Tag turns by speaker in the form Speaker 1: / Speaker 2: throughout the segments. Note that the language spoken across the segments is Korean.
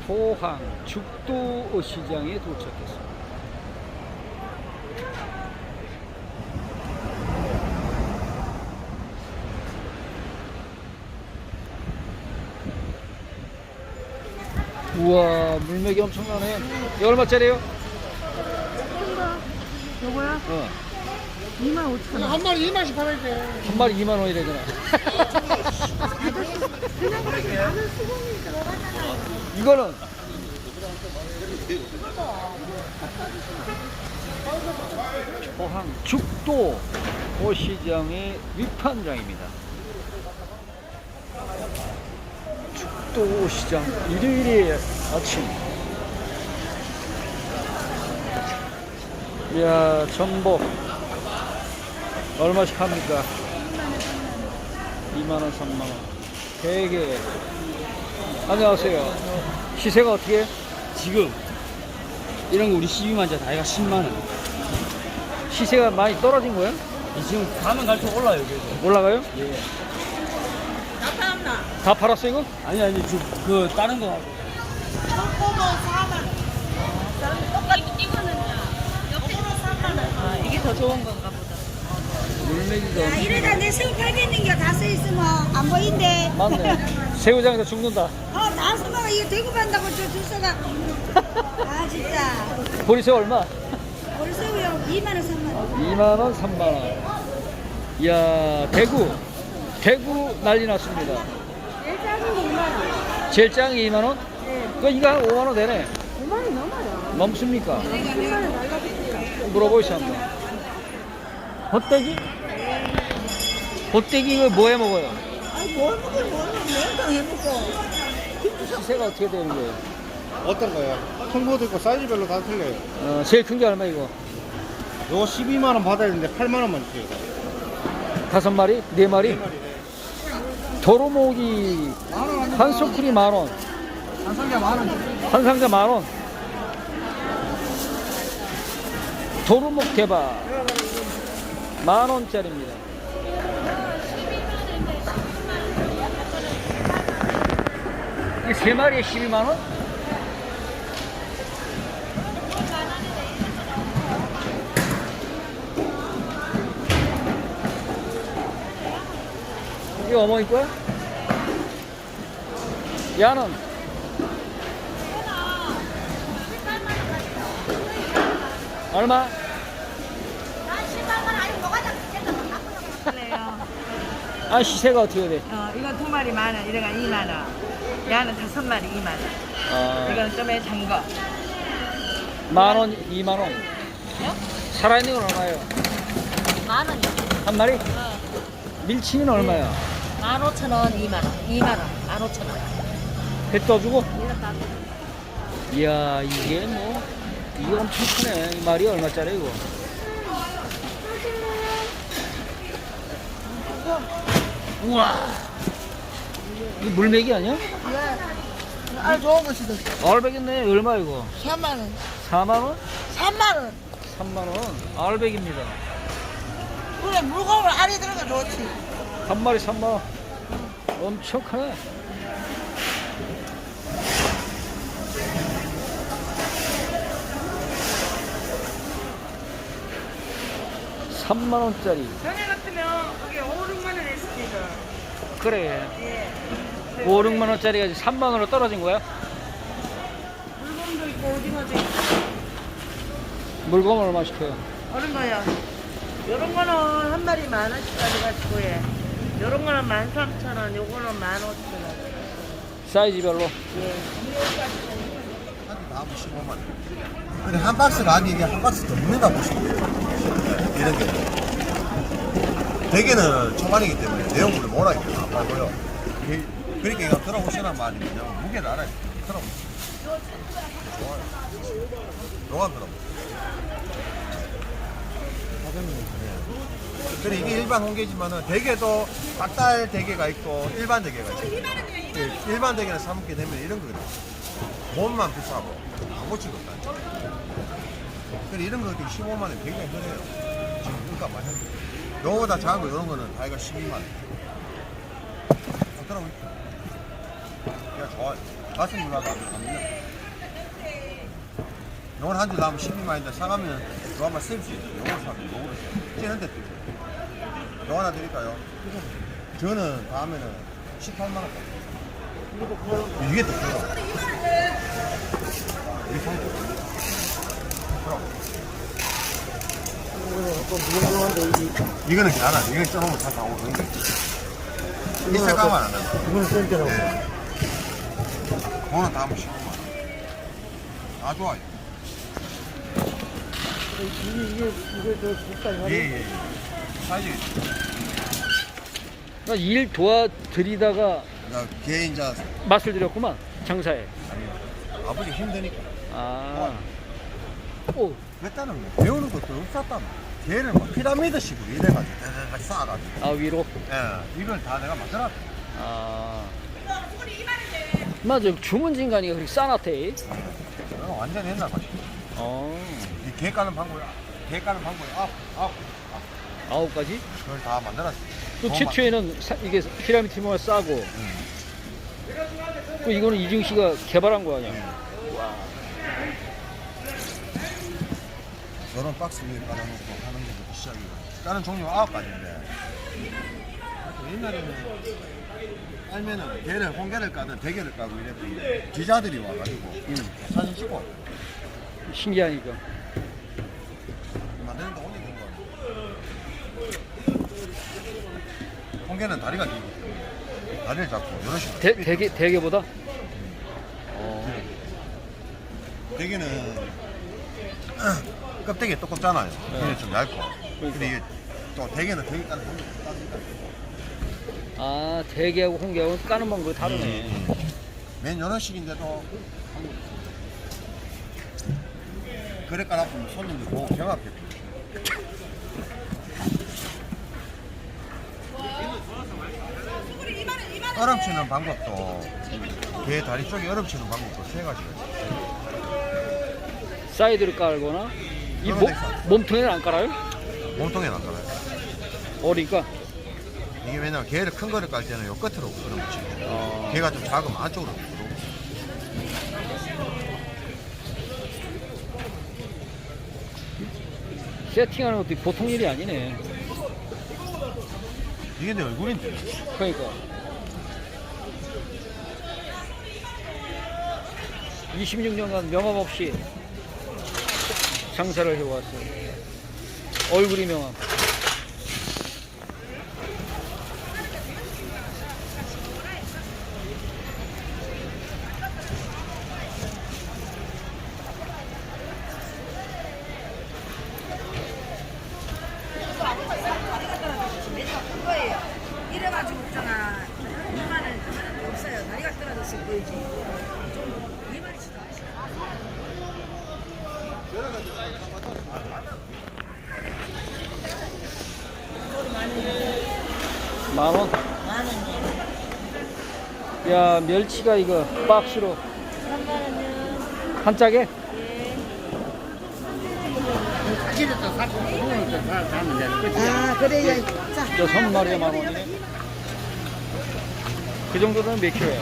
Speaker 1: 포항 죽도 시장에 도착했습니다. 우와, 물맥이 엄청나네. 이거 얼마짜리예요?
Speaker 2: 요거요? 25,000원.
Speaker 3: 한 마리 2만씩 팔아야 돼.
Speaker 1: 한 마리 2만 원이래잖아. 이거는 포항 죽도 시장의 위판장입니다. 죽도 시장 일요일의 아침. 이야, 전복 얼마씩 합니까? 2만원, 3만원. 대게. 안녕하세요. 시세가 어떻게 해?
Speaker 3: 지금 이런 거 우리 12만 자 다이가 10만 원.
Speaker 1: 시세가 많이 떨어진 거예요?
Speaker 3: 지금 가면 갈수록 올라요, 그래서.
Speaker 1: 올라가요?
Speaker 3: 예.
Speaker 1: 다 팔았어 이거?
Speaker 3: 아니 그 다른 거 하고.
Speaker 2: 이게 더 좋은 건가 보다.
Speaker 1: 물메기가
Speaker 4: 야, 이러다 내 새우 팔겠는 게 다 써있으면 안 보인대.
Speaker 1: 맞네. 새우장에서 죽는다.
Speaker 4: 다 써먹어. 이거 대구 간다고 저 줄서가. 아, 진짜.
Speaker 1: 보리새우 얼마?
Speaker 4: 우리 새우요. 2만원, 3만원.
Speaker 1: 2만원, 3만원. 이야, 대구 난리 났습니다.
Speaker 2: 제일 작은 게 2만원.
Speaker 1: 제일 짱이 2만원?
Speaker 2: 네.
Speaker 1: 그 이거 한 5만원 되네.
Speaker 2: 5만원 넘어요.
Speaker 1: 넘습니까?
Speaker 2: 10만원 날라붙을까?
Speaker 1: 물어보시죠 한번. 헛돼지? 헛돼지 이거 뭐 해 먹어요?
Speaker 2: 아니, 뭘 먹긴 뭘 먹어. 냉탕 해먹고.
Speaker 1: 시세가 어떻게 되는 거예요?
Speaker 3: 어떤 거요? 큰 것도 있고 사이즈별로 다 틀려요.
Speaker 1: 제일 큰 게 얼마 이거?
Speaker 3: 요거 12만 원 받아야 되는데 8만 원만 주세요.
Speaker 1: 5마리? 4마리? 도루묵이 한 소쿠리 만원,
Speaker 3: 한 상자 만 원.
Speaker 1: 한 상자 만원. 도루묵 대박 만원짜리입니다. 이게 3마리에 12만원? 이게 어머니 거야? 야는? 얼마?
Speaker 2: 그래요.
Speaker 1: 아, 시세가 어떻게 돼?
Speaker 2: 이거 2마리 만원, 이래가 2만원. 야는 5마리 2만원.
Speaker 1: 아,
Speaker 2: 이건 좀 작은 거.
Speaker 1: 만원, 2만원. 살아있는 건 얼마예요?
Speaker 2: 만원이요.
Speaker 1: 한 마리? 밀치는 얼마야?
Speaker 2: 15,000원, 2만원. 2만원, 15,000원.
Speaker 1: 배 떠주고?
Speaker 2: 이거 다
Speaker 1: 이야, 이게 뭐, 이거 엄청 크네. 이 말이 얼마짜리 이거? 우와, 이거 물메기 아니야?
Speaker 2: 아, 좋은 것이다.
Speaker 1: 알백이네. 얼마 이거?
Speaker 2: 3만원.
Speaker 1: 4만원?
Speaker 2: 3만원.
Speaker 1: 3만원. 알백입니다.
Speaker 2: 그래, 물건을 안에 들어가 좋지.
Speaker 1: 한 마리 3만원. 엄청 크네. (3만 원짜리)
Speaker 2: 전에 같으면 그게 5, 6만원 했을 때죠.
Speaker 1: 그래.
Speaker 2: 예.
Speaker 1: 5, 6만 원짜리가 3만 원으로 떨어진 거야?
Speaker 2: 물건도 있고 오징어도 있고.
Speaker 1: 물건 얼마 시켜요?
Speaker 2: 어른 거요. 요런 거는 한 마리 10,000원씩 가져가지고 예. 요런 거는 13,000원, 요거는 15,000원.
Speaker 1: 사이즈별로.
Speaker 2: 예.
Speaker 5: 다 15만 원. 근데 한 박스가 아니 이게 한 박스 더 먹는다 보시면 돼요. 이런 게. 대게는 초반이기 때문에 내용물을 몰아야 돼요. 안 말고요. 그러니까 이거 들어보시란 말이 그냥 무게를 알아야 돼요. 들어보세요. 좋아요. 요만 들어보세요. 그래 이게 일반 홍게지만은 대게도 닭달 대게가 있고 일반 대게가 있어요. 일반 대게는 사 먹게 되면 이런 거거든요. 몸만 비싸고 아무것도 없다. 그래 이런 거 15만 원 굉장히 흔해요. 지금 물가 많이 하는데. 요거보다 작은 거 이런 거는 다이가 12만 원. 좋더라고요. 그냥 좋아요. 가슴 누나도 안 밀려. 요건 한 줄 나면 12만인데 사가면 요 한번 쓸 수 있어요. 요걸 사면 요거를 찌는데 또 요 하나 드릴까요? 저는 다음에는 18만 원. 이게 더 커요. 이게 더 커요. 이거는 괜찮아. 이건 쪄놓으면 다 나오고. 이 색깔만 안 나요.
Speaker 3: 이거는 센터라고.
Speaker 5: 그거는 다 한번 15만 원. 다 좋아요.
Speaker 3: 이게 저 국산이
Speaker 5: 예. 사이즈.
Speaker 1: 그러니까 일 도와드리다가
Speaker 5: 그러니까 걔 이제
Speaker 1: 맛을 들였구만 장사에.
Speaker 5: 아버지 힘드니까.
Speaker 1: 아. 오.
Speaker 5: 그랬다는 거 배우는 것도 없었단 말이야. 걔를 막 피라미드식으로 이래가지고 다다다 쌓아가지고.
Speaker 1: 아 위로.
Speaker 5: 예, 이걸 다 내가 만들었다.
Speaker 1: 아. 맞아 주문진간이가 그렇게 싸놨대.
Speaker 5: 내가 완전 옛날 맛이야.
Speaker 1: 어.
Speaker 5: 이개 까는 방법이 아홉
Speaker 1: 9가지?
Speaker 5: 그걸 다 만들었어.
Speaker 1: 또 최초에는 이게 피라미드 모양 싸고. 또 이거는 이중 씨가 개발한 거 아니야?
Speaker 5: 저런 박스 위에 깔아놓고 하는 것부터 시작이고. 까는 종류가 9가지인데. 옛날에는 알면은 개를 홍게를 까든 대게를 까고 이랬더니 기자들이 와가지고 사진 찍고
Speaker 1: 신기하니까.
Speaker 5: 만드는데 오래 된 거. 홍게는 다리가 길고 다리를 잡고 이런 식으로.
Speaker 1: 대게보다?
Speaker 5: 대게는 껍데기 두껍잖아요. 이게 좀 얇고. 근데 이게 또 대게는 대게 까는 방법이 다르니까.
Speaker 1: 아 대게하고 홍게하고 까는 방법이 다르네.
Speaker 5: 맨 이런 식인데도 그래 까놨으면 손님들 보고 경악해. 얼음치는 방법도 개 다리 쪽에 얼음치는 방법도 세 가지가 있어요.
Speaker 1: 사이드를 깔거나 이
Speaker 5: 그러면
Speaker 1: 몸통에는 안 깔아요?
Speaker 5: 몸통에 나가요.
Speaker 1: 어리니까.
Speaker 5: 이게 왜냐면 개를 큰 거를 깔 때는 요 끝으로 얼음 치고 개가 좀 작으면 안쪽으로 들어오고.
Speaker 1: 세팅하는 것도 보통 일이 아니네.
Speaker 5: 이게 내 얼굴인데.
Speaker 1: 그러니까 26년간 명함 없이 장사를 해왔어요. 얼굴이 명함.
Speaker 4: 이래가지고 있잖아. 이만은 없어요. 다리가 떨어졌을 보이지. 좀 이만치도
Speaker 1: 만원? 야 멸치가 이거 박스로 한 짝에?
Speaker 4: 아 그래요. 자.
Speaker 1: 6마리에 만원이네. 그 정도는 몇 킬로야?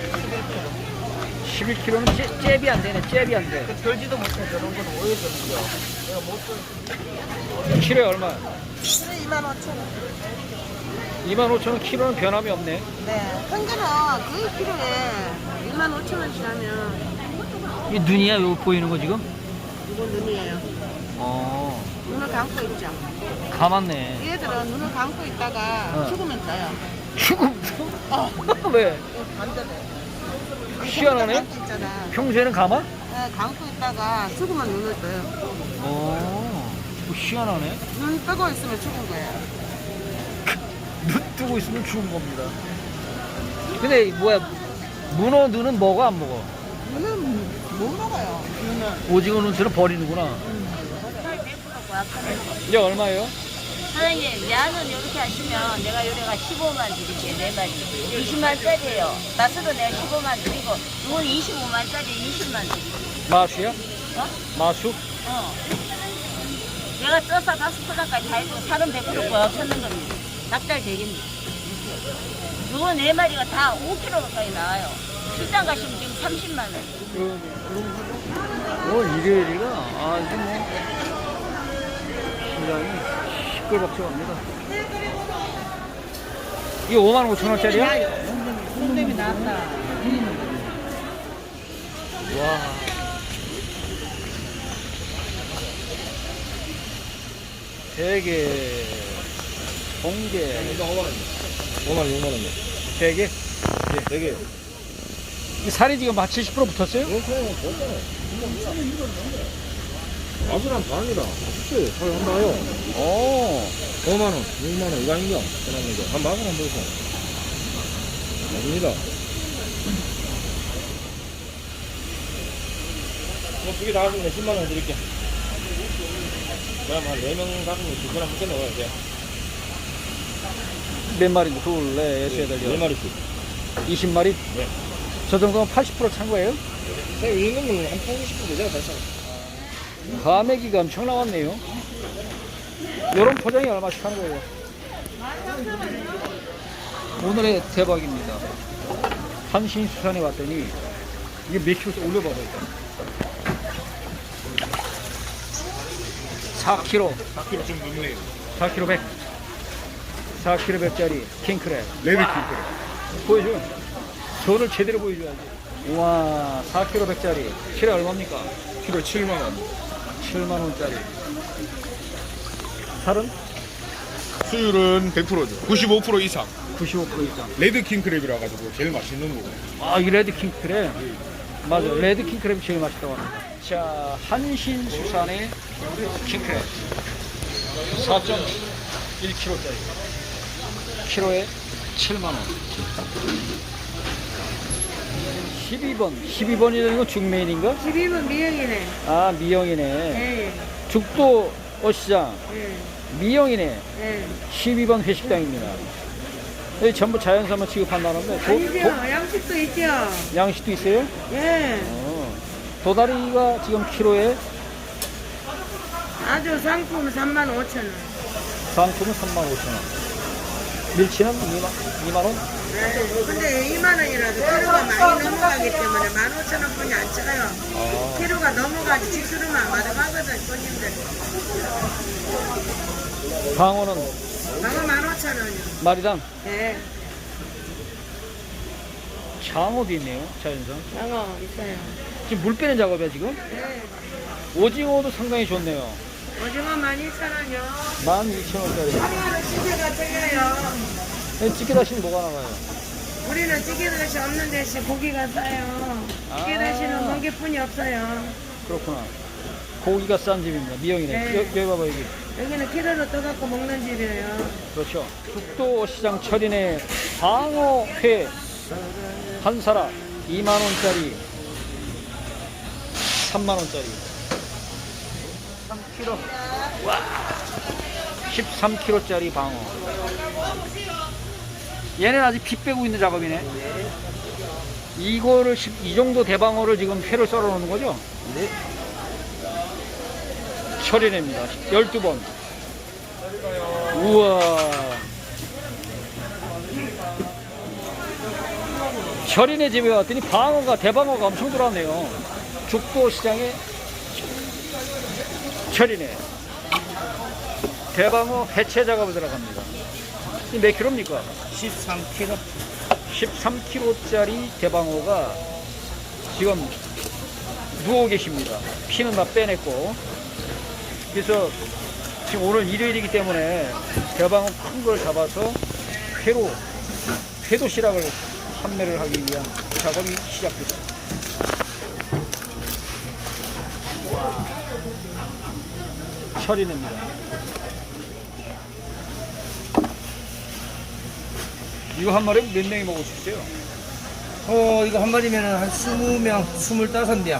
Speaker 1: 11kg는 잽이 안 되네. 잽이 안 돼.
Speaker 2: 들지도 못해. 저런 거는 오해 들죠. 내가 못 들.
Speaker 1: 키로에 얼마?
Speaker 4: 그래 25,000원.
Speaker 1: 25,000원 키로는 변함이 없네.
Speaker 4: 네. 큰 거는 그 키로에 25,000원씩 하면
Speaker 1: 이 눈이야? 이거 보이는 거 지금?
Speaker 4: 이건 눈이에요.
Speaker 1: 어,
Speaker 4: 눈을 감고 있죠.
Speaker 1: 감았네.
Speaker 4: 얘들은 눈을 감고 있다가 죽으면 떠요.
Speaker 1: 죽음. 왜?
Speaker 4: 반대로.
Speaker 1: 희한하네.
Speaker 4: 감고 있잖아.
Speaker 1: 평소에는 감아?
Speaker 4: 네, 감고 있다가 죽으면 눈을 떠요.
Speaker 1: 어, 뭐 희한하네.
Speaker 4: 눈 뜨고 있으면 죽은 거예요.
Speaker 1: 눈 뜨고 있으면 죽은 겁니다. 근데 뭐야? 문어 눈은 먹어 안 먹어?
Speaker 4: 눈은 못 먹어요. 눈은.
Speaker 1: 오징어 눈처럼 버리는구나. 이게 얼마예요?
Speaker 6: 사장님, 야는 이렇게 하시면 내가 요래가 15만 드릴게요, 4마리. 20만짜리예요. 맛으로 내가 15만 드리고, 이건 25만짜리 20만 드릴게요.
Speaker 1: 마수야?
Speaker 6: 어?
Speaker 1: 마수?
Speaker 6: 어. 내가 쪄서 가스포장까지 다 해주고 살은 100% 꽉 찼는 겁니다. 납달 되겠네. 요거 4마리가 다 5kg 가까이 나와요. 시장 가시면 지금 30만 원.
Speaker 1: 일요일이가 아주 뭐 시장이 시끌벅적합니다. 이게 55,000원짜리야?
Speaker 2: 손님이 나왔다.
Speaker 1: 와. 대게, 홍게,
Speaker 3: 5만원.
Speaker 1: 대게.
Speaker 3: 되게.
Speaker 1: 이 살이 지금 한 70% 붙었어요?
Speaker 3: 맛이랑 반이다. 그치? 잘 한다요.
Speaker 1: 오.
Speaker 3: 5만원, 6만원, 이거 아닌가? 그런 거. 한 맛을 한번 보세요. 맞습니다. 두개 다 하시면 10만원 드릴게. 그럼 한 4명 가시면 2사람 묶여 넣어야 돼.
Speaker 1: 몇 마리? 둘, 넷, 여섯, 여덟,
Speaker 3: 4마리씩.
Speaker 1: 20마리?
Speaker 3: 네.
Speaker 1: 저 정도면 80% 찬 거예요?
Speaker 3: 새우 있는 거는 한 80% 되잖아, 벌써.
Speaker 1: 가메기가 엄청 나왔네요. 요런 포장이 얼마씩 하는 거예요? 오늘의 대박입니다. 한신수산에 왔더니 이게 몇 킬로씩 올려봐봐요. 4kg,
Speaker 3: 4kg 좀 넘네요.
Speaker 1: 4kg 100. 4kg 100짜리 킹크랩.
Speaker 3: 레드 킹크랩.
Speaker 1: 보여줘. 손을 제대로 보여줘야지. 우와, 4kg 100짜리. 키로 얼마입니까?
Speaker 3: 키로 7만원.
Speaker 1: 7만원짜리. 살은?
Speaker 3: 수율은 100%죠. 95% 이상.
Speaker 1: 95% 이상.
Speaker 3: 레드 킹크랩이라 가지고 제일 맛있는 거고.
Speaker 1: 아, 이 레드 킹크랩. 맞아, 레드 킹크랩이 제일 맛있다고 합니다. 자, 한신수산의 킹크랩. 4.1kg짜리. 키로에 7만원. 12번. 12번이라는 건 중메인인가?
Speaker 2: 12분 미역이네.
Speaker 1: 아, 미영이네.
Speaker 2: 예.
Speaker 1: 죽도 어시장.
Speaker 2: 예.
Speaker 1: 미영이네.
Speaker 2: 예.
Speaker 1: 12번 회식당입니다. 여기 전부 자연산만 취급한다는데
Speaker 2: 아니죠. 양식도 있죠.
Speaker 1: 양식도 있어요?
Speaker 2: 예.
Speaker 1: 도다리가 지금 키로에
Speaker 2: 아주 상품 35,000원.
Speaker 1: 상품은 35,000원. 밀치는 2만원?
Speaker 2: 근데 2만원이라도 키로가 많이 넘어가기 때문에 15,000원뿐이 안 찍어요. 키로가 넘어가지 직수로만 맞아가거든, 손님들.
Speaker 1: 방어는
Speaker 2: 방어 15,000원이요.
Speaker 1: 마리당.
Speaker 2: 네.
Speaker 1: 장어도 있네요, 자연산.
Speaker 2: 방어 있어요.
Speaker 1: 지금 물 빼는 작업이야, 지금?
Speaker 2: 네.
Speaker 1: 오징어도 상당히 좋네요.
Speaker 2: 오징어 12,000원이요.
Speaker 1: 12,000원짜리.
Speaker 2: 하루하루 찌개가 쪄요.
Speaker 1: 찌개 다시는 뭐가 나가요?
Speaker 2: 우리는 찌개 다시 없는 대신 고기가 싸요. 찌개 다시는 고기뿐이 없어요.
Speaker 1: 그렇구나. 고기가 싼 집입니다. 미영이네.
Speaker 2: 네.
Speaker 1: 여기 봐봐, 여기.
Speaker 2: 여기는 키로로 떠갖고 먹는 집이에요.
Speaker 1: 그렇죠. 죽도시장 철인의 방어회 한 사라 2만원짜리 3만원짜리 3kg. 와, 13kg짜리 방어. 얘는 아직 피 빼고 있는 작업이네. 이거를 이 정도 대방어를 지금 회를 썰어 놓는 거죠? 네. 철인입니다. 12번. 우와. 철인의 집에 왔더니 방어가, 대방어가 엄청 들어왔네요. 죽도시장에 철인에 대방어 해체 작업을 들어갑니다. 이 몇 킬로입니까?
Speaker 3: 13kg.
Speaker 1: 13kg짜리 대방어가 지금 누워 계십니다. 피는 다 빼냈고. 그래서 지금 오늘 일요일이기 때문에 대방어 큰 걸 잡아서 회도 시락을 판매를 하기 위한 작업이 시작됐습니다. 철인입니다. 이거 한 마리 몇 명이 먹을 수 있어요?
Speaker 7: 이거 한 마리면 한 20명, 25명.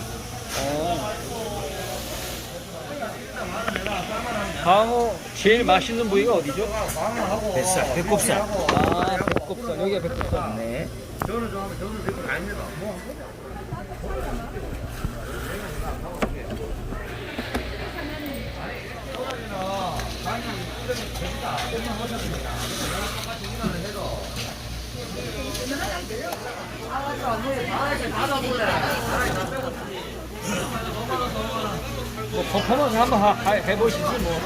Speaker 1: 방어 제일 맛있는 부위가 어디죠?
Speaker 7: 뱃살, 배꼽살.
Speaker 1: 아, 배꼽살. 여기가 배꼽살.
Speaker 7: 네.
Speaker 1: 뭐 퍼포먼스 한번 해보시지 뭐.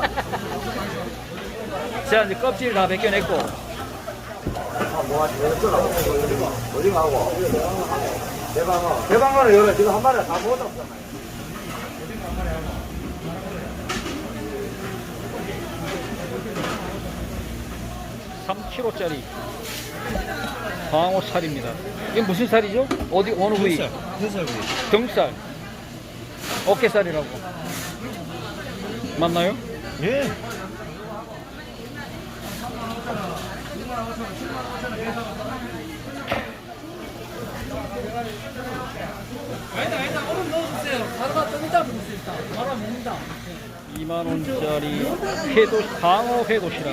Speaker 1: 자, 이제 껍질 다 벗겨냈고.
Speaker 3: 대방어는 여러 지금 한 마리 다 먹었다고 했잖아요.
Speaker 1: 3kg짜리 방어 살입니다. 이게 무슨 살이죠? 어디 어느 부위?
Speaker 3: 회살 부위.
Speaker 1: 등살, 어깨살이라고 맞나요?
Speaker 3: 예.
Speaker 1: 네. 2만 원짜리 회도 방어 회도시락.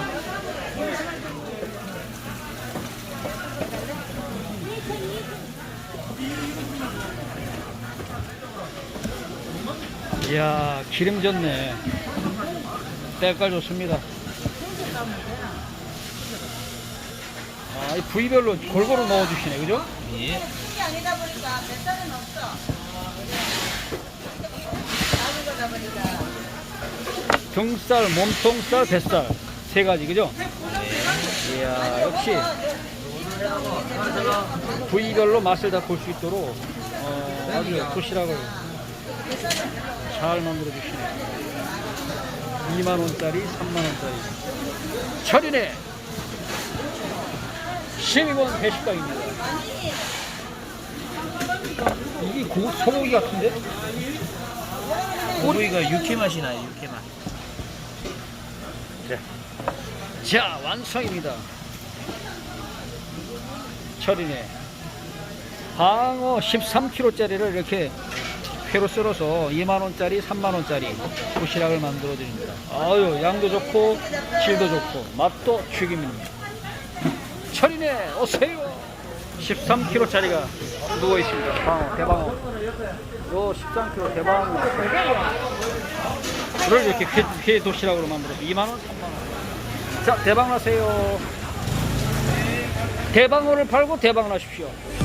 Speaker 1: 이야, 기름 졌네. 때깔 좋습니다. 아, 이 부위별로 골고루 넣어주시네, 그죠?
Speaker 3: 예.
Speaker 2: 아니다 보니까 뱃살은 없어. 작은 거다 보니까.
Speaker 1: 등살, 몸통살, 뱃살 세 가지, 그죠? 이야, 역시 부위별로 맛을 다 볼 수 있도록 아주 도시락을 잘 만들어 주시네. 2만 원짜리, 3만 원짜리. 철인의 12번 회식당입니다. 이게 소고기 같은데?
Speaker 3: 고기가 육회 맛이 나요, 육회 맛.
Speaker 1: 자, 완성입니다. 철인의 방어 13kg짜리를 이렇게 회로 썰어서 2만원짜리, 3만원짜리 도시락을 만들어 드립니다. 아유, 양도 좋고 질도 좋고 맛도 죽입니다. 철인의 오세요. 13kg짜리가 누워 있습니다. 방어, 대방어. 요 13kg 대방어. 그걸 이렇게 회 도시락으로 만들어서 2만원, 3만원. 자, 대박 나세요. 대방어를 팔고 대박 나십시오.